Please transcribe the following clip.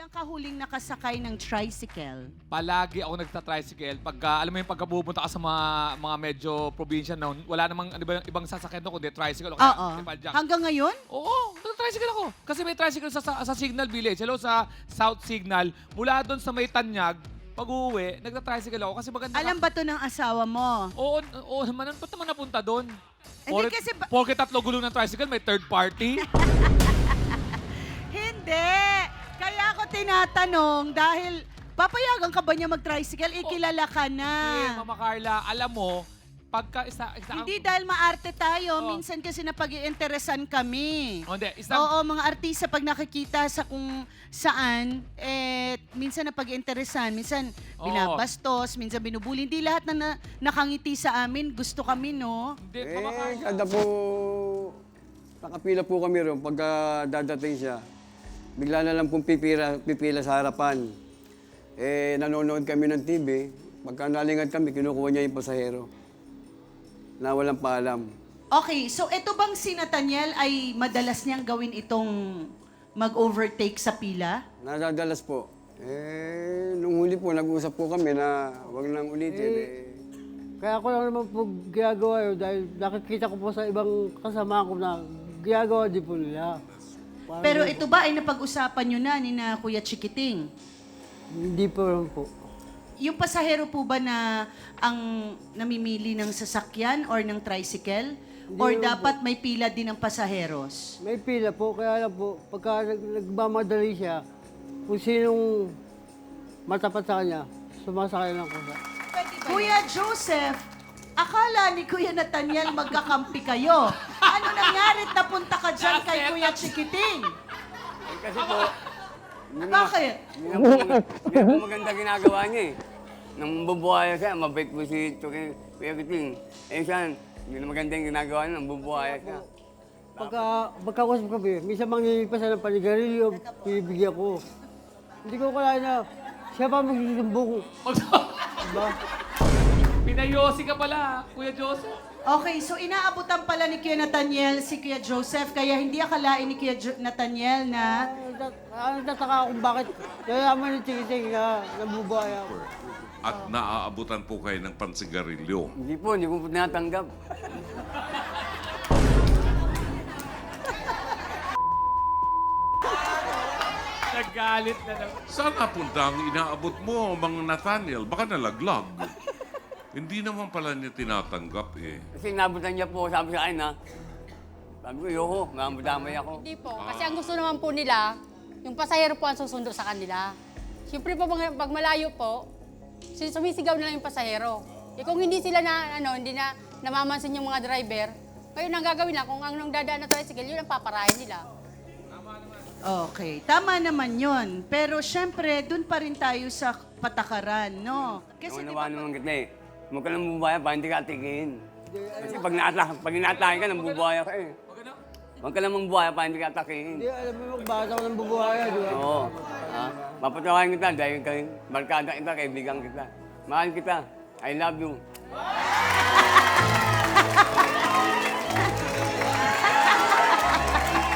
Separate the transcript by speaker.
Speaker 1: Kailan ka huling nakasakay ng tricycle?
Speaker 2: Palagi ako nagta-tricycle. Pagka, alam mo yung pagkapupunta ka sa mga medyo probinsya noon, wala namang ibang sasakyan doon kundi tricycle o kaya
Speaker 1: Oo.
Speaker 2: Tepadyak.
Speaker 1: Hanggang ngayon?
Speaker 2: Oo, nagta-tricycle ako. Kasi may tricycle sa Signal Village. Hello, sa South Signal. Mula doon sa may Tanyag, pag-uwi, nagta-tricycle ako. Kasi maganda
Speaker 1: Alam ba to ng asawa mo?
Speaker 2: Oo naman. Ba't naman napunta doon?
Speaker 1: Hindi kasi
Speaker 2: Porke tatlo gulong ng tricycle, may third party.
Speaker 1: Hindi! Kaya ako tinatanong dahil papayagan ka ba niya mag-tricycle? Ikilala ka na.
Speaker 2: Hindi, Mama Carla, alam mo, pagka
Speaker 1: Hindi dahil maarte tayo,
Speaker 2: Oo.
Speaker 1: minsan kasi napag-iinteresan kami.
Speaker 2: Oh, hindi,
Speaker 1: Oo, mga artista pag nakikita sa kung saan, minsan napag-iinteresan, minsan
Speaker 2: Oo.
Speaker 1: binabastos, minsan binubuli. Hindi lahat na nakangiti sa amin, gusto kami, no?
Speaker 2: Hindi, Mama Carla.
Speaker 3: Kada po, nakapila po kami ron pagka dadating siya. Bigla na lang pong pipila sa harapan. Nanonood kami ng TV. Pagka nalingat kami, kinukuha niya yung pasahero. Na walang paalam.
Speaker 1: Okay, so ito bang si Nathaniel ay madalas niyang gawin itong mag-overtake sa pila?
Speaker 3: Nadadalas po. Nung huli po, nag-usap po kami na wag nang ulitin.
Speaker 4: Kaya ako lang naman po ginagawa yun dahil nakikita ko po sa ibang kasama ko na ginagawa din po nila. Parang
Speaker 1: Pero ito ba ay napag-usapan niyo na ni na Kuya Chikiting?
Speaker 4: Hindi po lang po.
Speaker 1: Yung pasahero po ba na ang namimili ng sasakyan or ng tricycle? Or
Speaker 4: Hindi
Speaker 1: dapat may pila din ng pasaheros?
Speaker 4: May pila po, kaya lang po, pagka nagmamadali siya, kung sinong matapat sa kanya, sumasakay lang ko siya.
Speaker 1: Kuya Joseph, akala ni Kuya Nathaniel magkakampi kayo. Ano nangyari at napunta ka dyan kay Kuya Chikiting?
Speaker 3: Kasi po,
Speaker 1: Bakit?
Speaker 3: hindi na po maganda ginagawa niya eh. Nang bubuhaya siya, mabait po si Kuya Kiting. Siya, hindi na maganda yung ginagawa niya, nang bubuhaya siya.
Speaker 4: Pagkakusap kami, minsan mangingipasan ng panigarilyo, pinibigyan ko. Hindi ko kalain na siya pa magsusumbong. Diba?
Speaker 2: Pinayosi ka pala, Kuya Joseph.
Speaker 1: Okay, so inaabutan pala ni Kuya Nathaniel si Kuya Joseph, kaya hindi akalain ni Kuya Nathaniel na
Speaker 4: Nagtataka kung bakit nalaman ni Chikiting na nabubuhay ako.
Speaker 5: At naaabutan po kayo ng pansigarilyo.
Speaker 3: Hindi po tinatanggap.
Speaker 2: Nagalit na lang.
Speaker 5: Saan napunta ang inaabot mo, Mang Nathaniel? Baka nalaglag. Hindi naman pala niya tinatanggap eh.
Speaker 3: Kasi nabutan niya po, sabi sa akin ha. Sabi ko, yoko, mamudamay ako.
Speaker 6: Hindi po. Kasi ang gusto naman po nila, yung pasahero po ang susundo sa kanila. Siyempre po, pag malayo po, sumisigaw na lang yung pasahero. Eh kung hindi sila hindi na namamansin yung mga driver, ngayon ang gagawin na, kung anong dadaan na tricycle, yun ang paparahin nila.
Speaker 1: Okay, tama naman yon. Pero syempre, dun pa rin tayo sa patakaran, no? Kasi di ba,
Speaker 3: Nawa naman kita eh. Huwag ka nang bubaya pa, hindi ka atikin. Kasi pag inaatake ka, nang bubaya ka eh. Huwag ka namang bubaya pa, hindi ka atakin.
Speaker 4: Hindi, alam mo, magbasa ko ng bubuhay, di ba?
Speaker 3: Oo. Mapatawain kita dahil barkada kita, kaibigan kita. Mahal kita. I love you.